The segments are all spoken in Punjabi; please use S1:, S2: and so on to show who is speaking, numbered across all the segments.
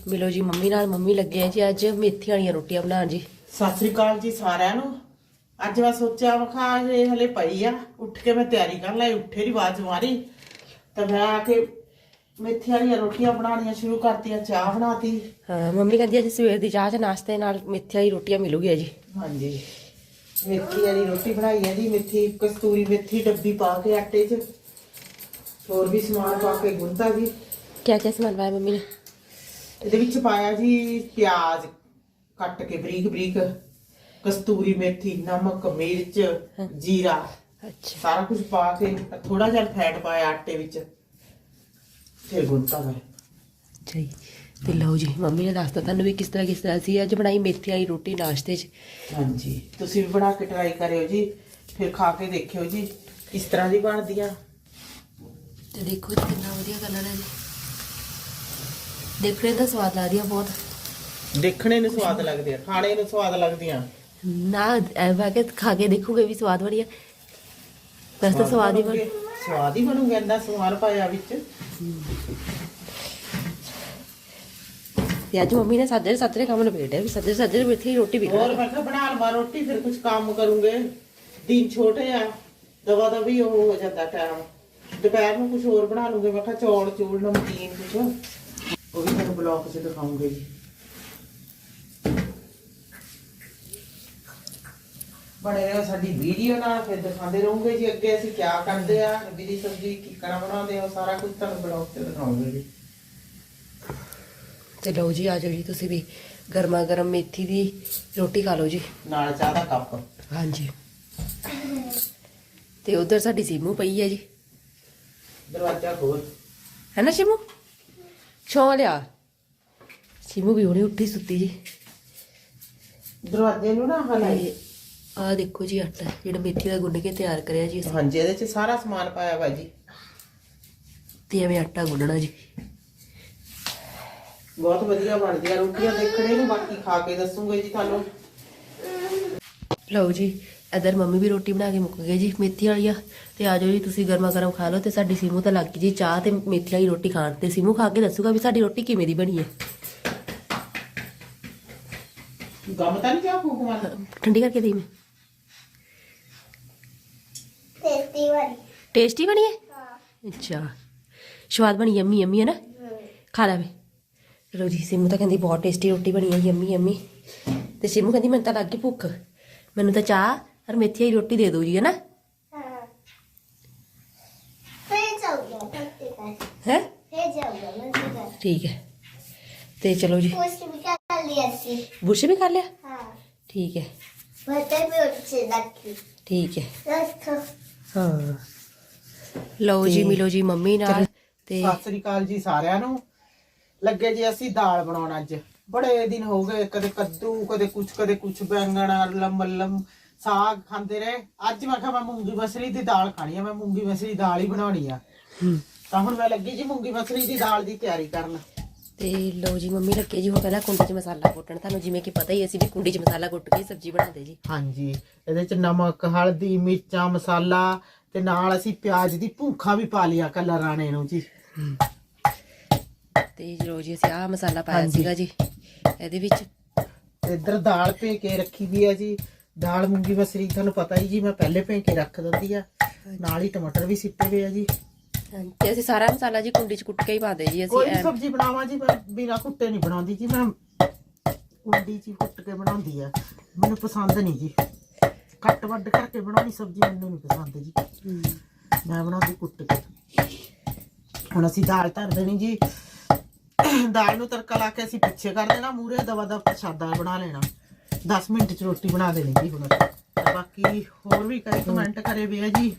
S1: ਮਿਲੋ ਜੀ ਮੰਮੀ ਨਾਲ। ਮੰਮੀ ਲੱਗੇ ਜੀ ਅੱਜ ਮੇਥੀ ਵਾਲੀਆਂ ਰੋਟੀਆਂ ਬਣਾਉਣ ਜੀ।
S2: ਸਤਿ ਸ੍ਰੀ ਅਕਾਲ ਜੀ ਸਾਰਿਆਂ ਨੂੰ। ਅੱਜ ਮੈਂ ਸੋਚਿਆ ਵਖਾ ਇਹ ਹਲੇ ਪਈ ਆ, ਉੱਠ ਕੇ ਮੈਂ ਤਿਆਰੀ ਕਰ ਲਈ। ਉੱਠੇ ਦੀ ਆਵਾਜ਼ ਮਾਰੀ ਤਾਂ ਮੈਂ ਆ ਕੇ ਮੇਥੀ ਵਾਲੀਆਂ ਰੋਟੀਆਂ ਬਣਾਉਣੀਆਂ ਸ਼ੁਰੂ ਕਰਤੀਆਂ। ਚਾਹ ਬਣਾਤੀ।
S1: ਹਾਂ ਮੰਮੀ ਕਹਿੰਦੀ ਅੱਜ ਸਵੇਰ ਦੀ ਚਾਹ ਚ ਨਾਸ਼ਤੇ ਨਾਲ ਮੇਥੀ ਵਾਲੀ ਰੋਟੀਆਂ ਮਿਲੂਗੀਆਂ ਜੀ।
S2: ਹਾਂਜੀ, ਮੇਥੀ ਵਾਲੀ ਰੋਟੀ ਬਣਾਈ ਹੈ ਜੀ। ਮੇਥੀ, ਕਸਤੂਰੀ ਮੇਥੀ ਡੱਬੀ ਪਾ ਕੇ ਆਟੇ 'ਚ, ਹੋਰ ਵੀ ਸਮਾਨ ਪਾ ਕੇ ਗੁੰਨਤਾ ਜੀ।
S1: ਕਿਆ ਕਿਆ ਸਮਾਨ ਪਾਇਆ ਮੰਮੀ ਨੇ?
S2: ਇਹਦੇ ਵਿੱਚ ਪਾਇਆ ਜੀ ਪਿਆਜ਼ ਕੱਟ ਕੇ ਬਰੀਕ ਬਰੀਕ, ਕਸਤੂਰੀ ਮੇਥੀ, ਨਮਕ, ਮਿਰਚ, ਜੀਰਾ,
S1: ਅੱਛਾ
S2: ਸਾਰਾ ਕੁਝ ਪਾ ਕੇ ਥੋੜਾ ਜਿਹਾ ਫੈਟ ਪਾਇਆ ਆਟੇ ਵਿੱਚ, ਫਿਰ ਗੁੰਨਤਾ ਮੈਂ।
S1: ਜੀ ਤੇ ਲਓ ਜੀ ਮੰਮੀ ਨੇ ਦੱਸਤਾ ਤੁਹਾਨੂੰ ਵੀ ਕਿਸ ਤਰ੍ਹਾਂ ਸੀ ਅੱਜ ਬਣਾਈ ਮੇਥੀ ਵਾਲੀ ਰੋਟੀ ਨਾਸ਼ਤੇ 'ਚ।
S2: ਹਾਂਜੀ, ਤੁਸੀਂ ਵੀ ਬਣਾ ਕੇ ਟਰਾਈ ਕਰਿਓ ਜੀ, ਫਿਰ ਖਾ ਕੇ ਦੇਖਿਓ ਜੀ ਕਿਸ ਤਰ੍ਹਾਂ ਦੀ ਬਣਦੀ ਆ।
S1: ਤੇ ਦੇਖੋ ਜੀ ਕਿੰਨਾ ਵਧੀਆ ਕਲਰ ਹੈ ਜੀ। ਦੇਖਣੇ ਦਾ ਸਵਾਦ ਆ ਰਿਹਾ ਬਹੁਤ।
S2: ਦੇਖਣੇ ਨੂੰ ਸਵਾਦ ਲੱਗਦੇ ਆ, ਖਾਣੇ ਨੂੰ ਸਵਾਦ ਲੱਗਦੀਆਂ
S1: ਨਾ ਵਾਕੇ ਖਾ ਕੇ ਦੇਖੋਗੇ ਵੀ ਸਵਾਦ ਬਣੀਆ। ਵੈਸੇ ਤਾਂ ਸਵਾਦ ਹੀ
S2: ਸਵਾਦ ਹੀ ਬਣੂਗਾ। ਇੰਨਾ ਸਮਾਨ ਪਾਇਆ ਵਿੱਚ।
S1: ਤੇ ਅੱਜ ਮੰਮੀ ਨੇ ਸਾਜਰੇ ਕੰਮ ਨਿਬੇੜਿਆ ਵੀ ਸਾਜਰੇ ਮੇਥੀ ਰੋਟੀ ਵੀ
S2: ਹੋਰ ਮੈਂ ਕਿਹਾ ਬਣਾ ਲਵਾਂ ਰੋਟੀ, ਫਿਰ ਕੁਝ ਕੰਮ ਕਰੂੰਗੇ। ਦਿਨ ਛੋਟੇ ਆ, ਦਵਾ ਦਾ ਵੀ ਉਹ ਹੋ ਜਾਂਦਾ ਟਾਈਮ। ਦੁਪਹਿਰ ਨੂੰ ਕੁਝ ਹੋਰ ਬਣਾ ਲੂੰਗੇ। ਮੈਂ ਕਿਹਾ ਚੌਲ ਨਮਕੀਨ ਕੁਝ, ਉਹ ਵੀ ਤੁਹਾਨੂੰ ਬਲੌਗ 'ਚ ਦਿਖਾਉਂਗੇ ਜੀ। ਬਣੇ ਰਹੋ ਸਾਡੀ ਵੀਡੀਓ ਨਾਲ, ਫਿਰ ਦਿਖਾਉਂਦੇ ਰਹੂੰਗੇ ਜੀ ਅੱਗੇ ਅਸੀਂ ਕੀ ਕਰਦੇ ਆ। ਰੱਬੀ ਦੀ ਸਬਜ਼ੀ ਕੀ ਕਰਾਂ ਬਣਾਉਂਦੇ ਆ, ਸਾਰਾ ਕੁਝ ਤੁਹਾਨੂੰ ਬਲੌਗ 'ਚ ਦਿਖਾਉਂਗੇ ਜੀ।
S1: ਤੇ ਲਓ ਜੀ ਆ ਜਾਓ ਜੀ ਤੁਸੀਂ ਵੀ ਗਰਮਾ ਗਰਮ ਮੇਥੀ ਦੀ ਰੋਟੀ ਖਾ ਲਓ ਜੀ
S2: ਨਾਲ ਚਾਹ ਦਾ ਕੱਪ।
S1: ਹਾਂਜੀ। ਤੇ ਉਧਰ ਸਾਡੀ ਸੀਮੂ ਪਈ ਹੈ ਜੀ।
S2: ਦਰਵਾਜ਼ਾ ਖੋਲ।
S1: ਹੈ ਨਾ ਸੀਮੂ? ਛੋਂ ਲਿਆ। ਸੀਮੂ ਵੀ ਹੁਣੇ ਉੱਠੀ ਸੁੱਤੀ ਜੀ।
S2: ਦਰਵਾਜ਼ੇ ਨੂੰ ਨਾ ਹਲਾਈ।
S1: ਆ ਦੇਖੋ ਜੀ ਆਟਾ ਜਿਹੜਾ ਮੇਥੀ ਦਾ ਗੁੰਨ ਕੇ ਤਿਆਰ ਕਰਿਆ ਜੀ ਅਸੀਂ।
S2: ਹਾਂਜੀ, ਇਹਦੇ 'ਚ ਸਾਰਾ ਸਮਾਨ ਪਾਇਆ ਵਾ ਜੀ।
S1: ਤੇ ਐਵੇਂ ਆਟਾ ਗੁੰਨਣਾ ਜੀ।
S2: ਬਹੁਤ ਵਧੀਆ ਬਣਦੀਆਂ ਰੋਟੀਆਂ ਦੇਖਣੇ ਨੂੰ, ਬਾਕੀ ਖਾ ਕੇ ਦੱਸੂਗੇ ਜੀ ਤੁਹਾਨੂੰ।
S1: ਲਓ ਜੀ ਇਧਰ ਮੰਮੀ ਵੀ ਰੋਟੀ ਬਣਾ ਕੇ ਮੁੱਕ ਗਏ ਜੀ ਮੇਥੀ ਵਾਲੀਆਂ। ਤੇ ਆ ਜਾਓ ਜੀ ਤੁਸੀਂ ਗਰਮਾ ਗਰਮ ਖਾ ਲਓ। ਤੇ ਸਾਡੀ ਸੀਮੂ ਤਾਂ ਲੱਗ ਗਈ ਜੀ ਚਾਹ ਤੇ ਮੇਥੀ ਵਾਲੀ ਰੋਟੀ ਖਾਣ। ਤੇ ਸੀਮੂ ਖਾ ਕੇ ਦੱਸੂਗਾ ਵੀ ਸਾਡੀ ਰੋਟੀ ਕਿਵੇਂ ਦੀ ਬਣੀ ਹੈ।
S2: ਗਮ ਤਾਂ ਨਹੀਂ ਚਾਹ ਫੂਕ ਮਾਰ।
S1: ਠੰਡੀ ਕਰਕੇ ਦੇਈ ਮੈਂ। ਟੇਸਟੀ ਬਣੀ ਹੈ? ਅੱਛਾ ਸਵਾਦ ਬਣੀ, ਯੰਮੀ ਯੰਮੀ ਹੈ ਨਾ। ਖਾ ਲੈ ਵੇ। ਚਲੋ ਜੀ ਸੀਮੂ ਤਾਂ ਕਹਿੰਦੀ ਬਹੁਤ ਟੇਸਟੀ ਰੋਟੀ ਬਣੀ ਹੈ, ਯੰਮੀ ਯੰਮੀ। ਤੇ ਸੀਮੂ ਕਹਿੰਦੀ ਮੈਨੂੰ ਤਾਂ ਲੱਗ ਗਈ ਭੁੱਖ, ਮੈਨੂੰ ਤਾਂ ਚਾਹ ਔਰ ਮੇਥੀ ਵਾਲੀ ਰੋਟੀ ਦੇ ਦਿਓ ਜੀ, ਹੈ ਨਾ। ਹੈ ਠੀਕ ਹੈ। ਤੇ ਚਲੋ ਜੀ ਬੁਰਸ਼ ਵੀ ਕਰ ਲਿਆ। ਠੀਕ ਹੈ ਠੀਕ ਹੈ। ਹਾਂ ਲਓ ਜੀ ਮਿਲੋ ਜੀ ਮੰਮੀ ਨਾਲ। ਤੇ
S2: ਸਤਿ ਸ੍ਰੀ ਅਕਾਲ ਜੀ ਸਾਰਿਆਂ ਨੂੰ। ਲੱਗੇ ਜੀ ਅਸੀਂ ਦਾਲ ਬਣਾਉਣ ਅੱਜ। ਬੜੇ ਦਿਨ ਹੋ ਗਏ, ਕਦੇ ਕੱਦੂ ਕਦੇ ਕੁਛ ਬੈਂਗਣ ਮੱਲਮ ਸਾਗ ਖਾਂਦੇ ਰਹੇ। ਅੱਜ ਮੈਂ ਕਿਹਾ ਮੈਂ ਮੂੰਗੀ ਮਸਰੀ ਦੀ ਦਾਲ ਖਾਣੀ ਆ। ਮੈਂ ਮੂੰਗੀ ਮਸਰੀ ਦਾਲ ਹੀ ਬਣਾਉਣੀ ਆ। ਤਾਂ ਹੁਣ ਮੈਂ ਲੱਗੀ ਜੀ ਮੂੰਗੀ ਮਸਰੀ ਦੀ ਦਾਲ ਦੀ ਤਿਆਰੀ ਕਰਨ।
S1: ਤੇ ਲਓ ਜੀ ਮੰਮੀ ਲੱਗੇ ਜੀ ਹੁਣ ਪਹਿਲਾਂ ਕੁੰਡੀ 'ਚ ਮਸਾਲਾ ਕੁੱਟਣ। ਤੁਹਾਨੂੰ ਜਿਵੇਂ ਕਿ ਪਤਾ ਹੀ ਅਸੀਂ ਵੀ ਕੁੰਡੀ 'ਚ ਮਸਾਲਾ ਕੁੱਟ ਕੇ ਸਬਜ਼ੀ ਬਣਾਉਂਦੇ ਜੀ। ਹਾਂਜੀ,
S2: ਇਹਦੇ 'ਚ ਨਮਕ, ਹਲਦੀ, ਮਿਰਚਾਂ, ਮਸਾਲਾ ਤੇ ਨਾਲ ਅਸੀਂ ਪਿਆਜ਼ ਦੀ ਭੂਖਾ ਵੀ ਪਾ ਲਿਆ ਕਲਰ ਆਣੇ ਨੂੰ ਜੀ।
S1: ਤੇ ਲਓ ਜੀ ਅਸੀਂ ਆਹ ਮਸਾਲਾ ਪਾਇਆ ਸੀਗਾ ਜੀ ਇਹਦੇ ਵਿੱਚ।
S2: ਇੱਧਰ ਦਾਲ ਭੇ ਕੇ ਰੱਖੀ ਵੀ ਆ ਜੀ। ਦਾਲ ਮੂੰਗੀ ਮਸਰੀ ਤੁਹਾਨੂੰ ਪਤਾ ਹੀ ਜੀ, ਮੈਂ ਪਹਿਲੇ ਭੇ ਕੇ ਰੱਖ ਦਿੰਦੀ ਆ। ਨਾਲ ਹੀ ਟਮਾਟਰ ਵੀ ਸਿੱਟੇ ਹੋਏ ਆ ਜੀ।
S1: ਤੇ ਅਸੀਂ ਸਾਰਾ ਮਸਾਲਾ ਜੀ ਕੁੰਡੀ 'ਚ ਕੁੱਟ ਕੇ ਹੀ ਪਾਉਂਦੇ ਜੀ। ਅਸੀਂ
S2: ਕੋਈ ਸਬਜ਼ੀ ਬਣਾਵਾਂ ਜੀ ਮੈਂ ਬਿਨਾਂ ਕੁੱਟੇ ਨਹੀਂ ਬਣਾਉਂਦੀ ਜੀ। ਮੈਂ ਕੁੰਡੀ 'ਚ ਕੁੱਟ ਕੇ ਬਣਾਉਂਦੀ ਆ, ਮੈਨੂੰ ਪਸੰਦ ਨਹੀਂ ਜੀ। ਕੱਟ ਵੱਡ ਕਰਕੇ ਬਣਾਉਣੀ ਸਬਜ਼ੀ ਮੈਨੂੰ ਨਹੀਂ ਪਸੰਦ ਜੀ। ਮੈਂ ਬਣਾਉਂਦੀ ਕੁੱਟ ਕੇ। ਹੁਣ ਅਸੀਂ ਦਾਲ ਧਰ ਦੇਣੀ ਜੀ। ਦਾਲ ਨੂੰ ਤੜਕਾ ਲਾ ਕੇ ਅਸੀਂ ਪਿੱਛੇ ਕਰ ਦੇਣਾ, ਮੂਹਰੇ ਦਵਾ ਦਾ ਪ੍ਰਸ਼ਾਦਾ ਬਣਾ ਲੈਣਾ। 10 ਮਿੰਟ 'ਚ ਰੋਟੀ ਬਣਾ ਦੇਣੀ ਜੀ। ਹੁਣ ਬਾਕੀ ਹੋਰ ਵੀ ਕਈ ਕਮੈਂਟ ਕਰੇ ਵੇ ਆ ਜੀ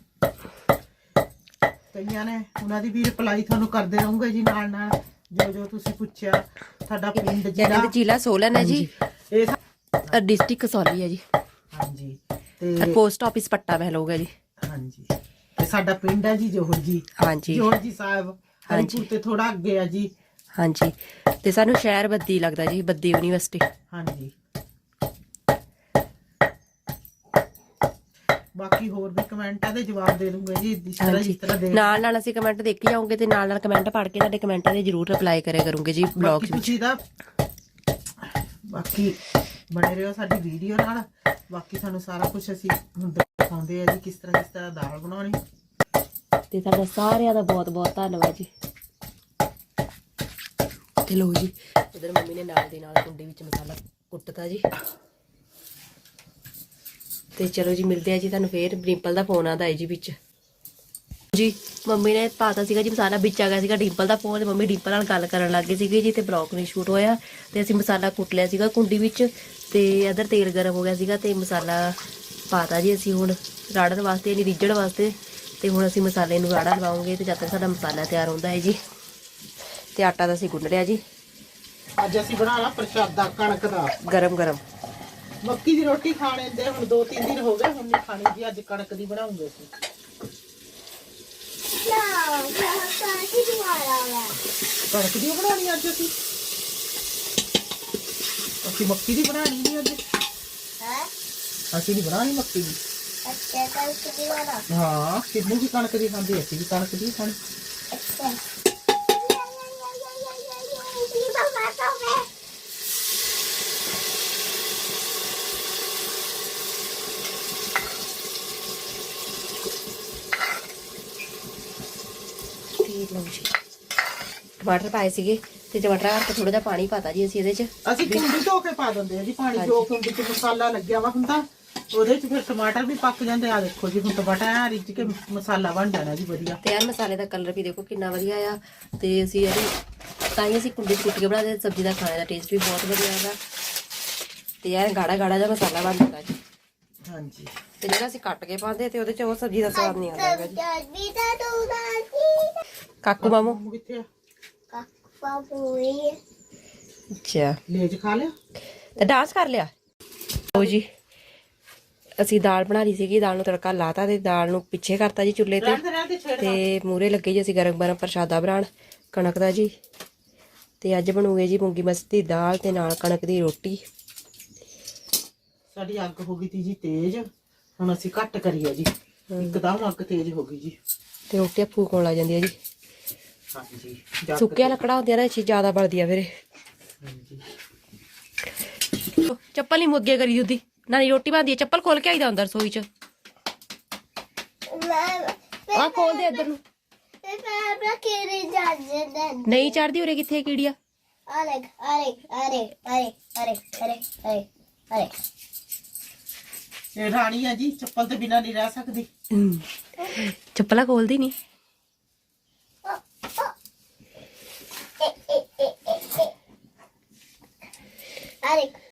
S2: ਕਈਆਂ ਨੇ, ਉਹਨਾਂ ਦੀ ਵੀ ਰਿਪਲਾਈ ਤੁਹਾਨੂੰ ਕਰਦੇ ਰਹੂੰਗੇ ਜੀ ਨਾਲ ਨਾਲ। ਜੋ ਤੁਸੀਂ ਪੁੱਛਿਆ। ਸਾਡਾ ਪਿੰਡ
S1: ਜ਼ਿਲ੍ਹਾ ਸੋਲਨ ਹੈ ਜੀ,
S2: ਇਹ
S1: ਡਿਸਟ੍ਰਿਕਟ ਕਸੌਲੀ ਹੈ ਜੀ।
S2: ਹਾਂਜੀ, ਤੇ
S1: ਪੋਸਟ ਆਫਿਸ ਪੱਟਾ ਮਹਿਲ ਹੋਗਾ ਜੀ।
S2: ਹਾਂਜੀ, ਤੇ ਸਾਡਾ ਪਿੰਡ ਹੈ ਜੀ ਜੋਹਰ ਜੀ।
S1: ਹਾਂਜੀ
S2: ਜੋਹਰ ਜੀ ਸਾਹਿਬ ਹਰੀਪੁਰ ਤੇ ਥੋੜਾ ਅੱਗੇ ਆ ਜੀ।
S1: ਹਾਂਜੀ, ਤੇ ਸਾਨੂੰ ਸ਼ਹਿਰ ਬੱਦੀ ਲੱਗਦਾ ਜੀ, ਬੱਦੀ ਯੂਨੀਵਰਸਿਟੀ।
S2: ਹਾਂਜੀ, ਬਾਕੀ ਹੋਰ ਵੀ ਕਮੈਂਟਾਂ ਦੇ ਜਵਾਬ ਦੇ ਦੂੰਗੇ ਜੀ ਜਿਸ ਤਰ੍ਹਾਂ ਦੇ
S1: ਨਾਲ ਅਸੀਂ ਕਮੈਂਟ ਦੇਖੀ ਜਾਵਾਂਗੇ ਤੇ ਨਾਲ ਕਮੈਂਟ ਪੜ੍ਹ ਕੇ ਤੁਹਾਡੇ ਕਮੈਂਟਾਂ ਦੇ ਜ਼ਰੂਰ ਰਿਪਲਾਈ ਕਰਿਆ ਕਰੂੰਗੇ ਜੀ ਵਲੌਗਸ ਵਿੱਚ।
S2: ਤੁਸੀਂ ਦਾ ਬਾਕੀ ਬਣੇ ਰਹੋ ਸਾਡੀ ਵੀਡੀਓ ਨਾਲ। ਬਾਕੀ ਤੁਹਾਨੂੰ ਸਾਰਾ ਕੁਝ ਅਸੀਂ ਹੁਣ ਦਿਖਾਉਂਦੇ ਆ ਜੀ ਕਿਸ ਤਰ੍ਹਾਂ ਦਾਲ ਬਣਾਉਣੀ।
S1: ਤੇ ਤੁਹਾਡਾ ਸਾਰਿਆਂ ਦਾ ਬਹੁਤ ਬਹੁਤ ਧੰਨਵਾਦ ਜੀ। ਤੇ ਲੋ ਜੀ ਇਧਰ ਮੰਮੀ ਨੇ ਨਾਲ ਦੀ ਨਾਲ ਕੁੰਡੀ ਵਿੱਚ ਮਸਾਲਾ ਕੁੱਟਤਾ ਜੀ। ਤੇ ਚਲੋ ਜੀ ਮਿਲਦੇ ਆ ਜੀ ਤੁਹਾਨੂੰ ਫੇਰ। ਡਿੰਪਲ ਦਾ ਫੋਨ ਆਉਂਦਾ ਹੈ ਜੀ ਵਿੱਚ ਜੀ। ਮੰਮੀ ਨੇ ਪਾਤਾ ਸੀਗਾ ਜੀ ਮਸਾਲਾ, ਵਿੱਚ ਆ ਗਿਆ ਸੀਗਾ ਡਿੰਪਲ ਦਾ ਫੋਨ ਤੇ ਮੰਮੀ ਡਿੰਪਲ ਨਾਲ ਗੱਲ ਕਰਨ ਲੱਗ ਗਏ ਸੀਗੇ ਜੀ ਤੇ ਬਲੌਗ ਨਹੀਂ ਸ਼ੂਟ ਹੋਇਆ। ਤੇ ਅਸੀਂ ਮਸਾਲਾ ਕੁੱਟ ਲਿਆ ਸੀਗਾ ਕੁੰਡੀ ਵਿੱਚ ਤੇ ਇਧਰ ਤੇਲ ਗਰਮ ਹੋ ਗਿਆ ਸੀਗਾ ਤੇ ਮਸਾਲਾ ਪਾਤਾ ਜੀ ਅਸੀਂ ਹੁਣ ਰਾੜਨ ਵਾਸਤੇ, ਨਹੀਂ ਰਿੱਝਣ ਵਾਸਤੇ। ਤੇ ਹੁਣ ਅਸੀਂ ਮਸਾਲੇ ਨੂੰ ਰਾੜਾ ਲਵਾਉਂਗੇ ਤੇ ਜਦ ਤੱਕ ਸਾਡਾ ਮਸਾਲਾ ਤਿਆਰ ਹੁੰਦਾ ਹੈ ਜੀ। ਤੇ ਆਟਾ ਤਾਂ ਅਸੀਂ ਗੁੰਨ ਲਿਆ ਜੀ।
S2: ਅੱਜ ਅਸੀਂ ਬਣਾਉਣਾ ਪ੍ਰਸ਼ਾਦਾ ਕਣਕ ਦਾ
S1: ਗਰਮ ਗਰਮ।
S2: ਮੱਕੀ ਦੀ ਰੋਟੀ ਖਾਣੇ ਦੇ ਹੁਣ 2-3 ਦਿਨ ਹੋ ਗਏ, ਹੁਣ ਨਹੀਂ ਖਾਣੀ ਜੀ। ਅੱਜ ਕਣਕ ਦੀ ਬਣਾਉਂਗੇ ਅਸੀਂ। ਕਣਕ ਦੀ ਬਣਾਉਣੀ ਅੱਜ ਅਸੀਂ ਮੱਕੀ ਦੀ ਬਣਾਣੀ ਨਹੀਂ ਅੱਜ। ਅਸੀਂ ਨਹੀਂ ਬਣਾਣੀ ਮੱਕੀ ਦੀ। ਹਾਂ ਕਿੰਨੂ ਵੀ ਕਣਕ ਦੀ ਖਾਂਦੇ, ਅਸੀਂ ਵੀ ਕਣਕ ਦੀ ਖਾਣੀ।
S1: ਟਮਾਟਰ ਪਾਏ ਸੀਗੇ ਤੇ ਟਮਾਟਰ ਕਰਕੇ ਥੋੜਾ ਜਿਹਾ ਪਾਣੀ ਪਾਤਾ ਜੀ ਅਸੀਂ ਇਹਦੇ ਚ।
S2: ਅਸੀਂ ਕੁੰਡੀ ਧੋ ਕੇ ਪਾ ਦਿੰਦੇ ਆ ਜੀ ਪਾਣੀ। ਜੋ ਕੁੰਡੀ ਚ ਮਸਾਲਾ ਲੱਗਿਆ ਵਾ ਹੁੰਦਾ ਉਹਦੇ ਚ ਫਿਰ ਟਮਾਟਰ ਵੀ ਪੱਕ ਜਾਂਦੇ। ਆ ਦੇਖੋ ਜੀ ਹੁਣ ਟਮਾਟਰ ਰਿੱਝ ਕੇ ਮਸਾਲਾ ਬਣ ਜਾਣਾ ਜੀ ਵਧੀਆ।
S1: ਤੇ ਯਾਰ ਮਸਾਲੇ ਦਾ ਕਲਰ ਵੀ ਦੇਖੋ ਕਿੰਨਾ ਵਧੀਆ ਆ। ਤੇ ਅਸੀਂ ਤਾਂ ਹੀ ਅਸੀਂ ਕੁੰਡੀ ਚ ਕੁੱਟ ਕੇ ਬਣਾਉਂਦੇ। ਸਬਜ਼ੀ ਦਾ ਖਾਣੇ ਦਾ ਟੇਸਟ ਵੀ ਬਹੁਤ ਵਧੀਆ ਆਉਂਦਾ। ਤੇ ਯਾਰ ਗਾੜਾ ਗਾੜਾ ਜਿਹਾ ਮਸਾਲਾ ਬਣ ਜਾਂਦਾ ਜੀ।
S2: ਹਾਂਜੀ
S1: ਤੇ ਜਿਹੜਾ ਅਸੀਂ ਕੱਟ ਕੇ ਪਾਉਂਦੇ ਤੇ ਉਹਦੇ ਚ ਉਹ ਸਬਜ਼ੀ ਦਾ ਸਵਾਦ ਨਹੀਂ ਆਉਂਦਾ ਹੈਗਾ ਜੀ। ਕਾਕੂ ਮਾਮੂ
S2: ਕਿੱਥੇ ਆ?
S1: ਅੱਛਾ
S2: ਲੇਜ ਖਾ ਲਿਆ
S1: ਤੇ ਡਾਂਸ ਕਰ ਲਿਆ। ਲਓ ਜੀ ਅਸੀਂ ਦਾਲ ਬਣਾ ਲਈ ਸੀਗੀ। ਦਾਲ ਨੂੰ ਤੜਕਾ ਲਾਤਾ ਤੇ ਦਾਲ ਨੂੰ ਪਿੱਛੇ ਕਰਤਾ ਜੀ ਚੁੱਲ੍ਹੇ ਤੇ। ਤੇ ਮੂਹਰੇ ਲੱਗੇ ਜੀ ਅਸੀਂ ਗਰਮ ਗਰਮ ਪ੍ਰਸ਼ਾਦਾ ਬਣਾਉਣ ਕਣਕ ਦਾ ਜੀ। ਤੇ ਅੱਜ ਬਣੂਗੇ ਜੀ ਮੂੰਗੀ ਮਸਰੀ ਦੀ ਦਾਲ ਤੇ ਨਾਲ ਕਣਕ ਦੀ ਰੋਟੀ।
S2: ਸਾਡੀ ਅੱਗ ਹੋ ਗਈ ਤੀ ਜੀ ਤੇਜ਼, ਹੁਣ ਅਸੀਂ ਘੱਟ ਕਰੀਏ ਜੀ। ਇੱਕਦਮ ਅੱਗ ਤੇਜ਼ ਹੋ ਗਈ ਜੀ
S1: ਤੇ ਰੋਟੀਆਂ ਫੂਕਣ ਲੱਗ ਜਾਂਦੀ ਆ ਜੀ।
S2: ਹਾਂਜੀ
S1: ਸੁੱਕਿਆ ਲੱਕੜਾ ਹੁੰਦੀਆਂ ਨਾ ਇਹ ਜ਼ਿਆਦਾ ਬਲਦੀਆਂ ਫਿਰ।
S2: ਹਾਂਜੀ
S1: ਚੱਪਲ ਨਹੀਂ ਮੁੱਗੇ ਕਰੀ ਉਹਦੀ ਨਾਨੀ ਰੋਟੀ ਬਣਦੀ ਹੈ। ਚੱਪਲ ਖੋਲ ਕੇ ਆਈਦਾ ਅੰਦਰ ਰਸੋਈ ਚ। ਆ ਖੋਲ ਦੇ ਇੱਧਰ ਨੂੰ। ਨਹੀਂ ਚੜਦੀ ਉਰੇ ਕਿੱਥੇ ਕੀੜੀਆ।
S2: ਇਹ ਰਾਣੀ ਆ ਜੀ, ਚੱਪਲ ਤੇ ਬਿਨਾਂ ਨਹੀਂ ਰਹਿ ਸਕਦੀ।
S1: ਚੱਪਲਾਂ ਖੋਲਦੀ ਨਹੀਂ।